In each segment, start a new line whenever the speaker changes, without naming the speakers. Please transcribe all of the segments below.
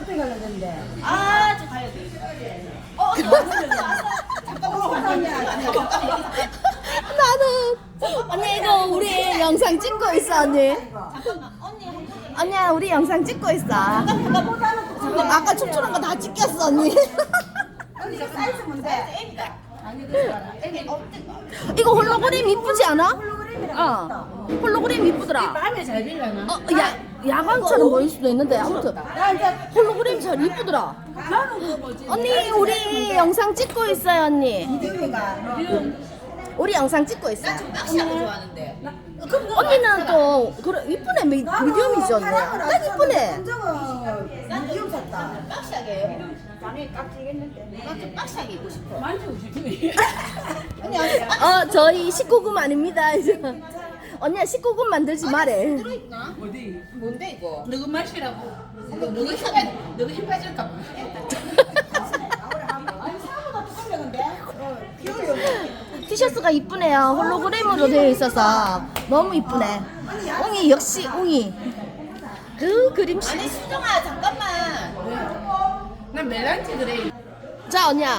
어떻게 가려야 되는데?
아, 저 가야 돼.
나는 언니 이거 우리 영상 찍고 있어 언니.
잠깐만, 언니.
언니야 우리 영상 찍고 있어. 아까 춤추는 거 다 찍혔어 언니.
언니 이거 사이즈 뭔데?
애기다. 애기 어때가?
이거 홀로그램 이쁘지 않아?
홀로그램이랑
어. 홀로그램 이쁘더라.
마음에 잘 빌려나?
야광처럼 보일 수도 있는데 아무튼
나 이제
홀로그램 잘 이쁘더라.
나는 그거 뭐지?
언니 우리 영상 찍고 있어요 언니.
미디움이가
우리 영상 찍고 있어.
낚시하고 좋아하는데.
언니는 또 그래 이쁘네 미디움이죠 언니. 딱 이쁘네.
감정은 미디움 샀다.
낚시하게. 밤에 깍지겠는데. 나좀 낚시하게 입고 싶어. 만지고 싶지.
저희 19금 아닙니다. 이제. 언니야 19금 만들지 말해.
들어있나?
어디?
뭔데 이거?
누구 맛이라고?
너가 힘 빠질까 봐.
아니 사보다 두껍네 근데. 귀여워.
티셔츠가 이쁘네요. 홀로그램으로 되어 있어서 너무 이쁘네. 웅이 역시 웅이. 그 그림씨.
아니 수정아 잠깐만.
난 멜란지 그래.
자 언니야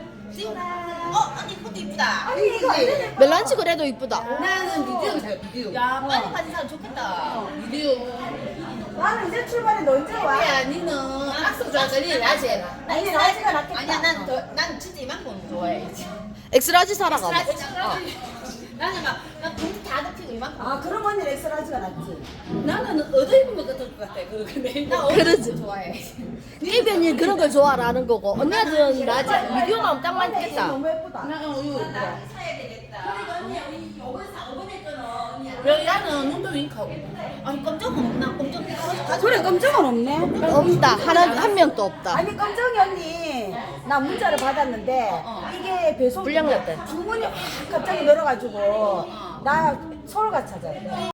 언니 이것도 이쁘다.
아니 이거 안 되네.
멜란치 그래도 이쁘다.
나는 미디움 잘 미디움.
야 빨리 가진 사람 좋겠다.
미디움.
나는 이제 출발해 너 언제 와?
야, 니는 악수 좋아하더니 라지.
아니 라지가 낫겠다.
아니야 난 진짜 이만큼 좋아해.
엑스라지 사러 가봐.
나는 막나 봉투 다 덮이고 이만큼.
아 그럼 언니 엑스라지가 낫지.
나는 얻어 입은 것 같을 것 같아. 그런데
나
그러지.
좋아해.
이변이 그런 걸 좋아하는 거고 언니들은 라지 미디움 하면 딱
이게
맞겠다.
너무 예쁘다.
나는 우유.
사야 되겠다. 언니 우리 요번 거는 언니.
여기 나는 눈도 윙크하고.
아니 깜짝은 없나? 깜짝.
그래 검정은 없네.
없다. 한 명도 없다.
아니 검정이 언니 나 문자를 받았는데 이게 배송
불량 났대.
주문이 확 갑자기 늘어가지고 나 서울 가 찾아.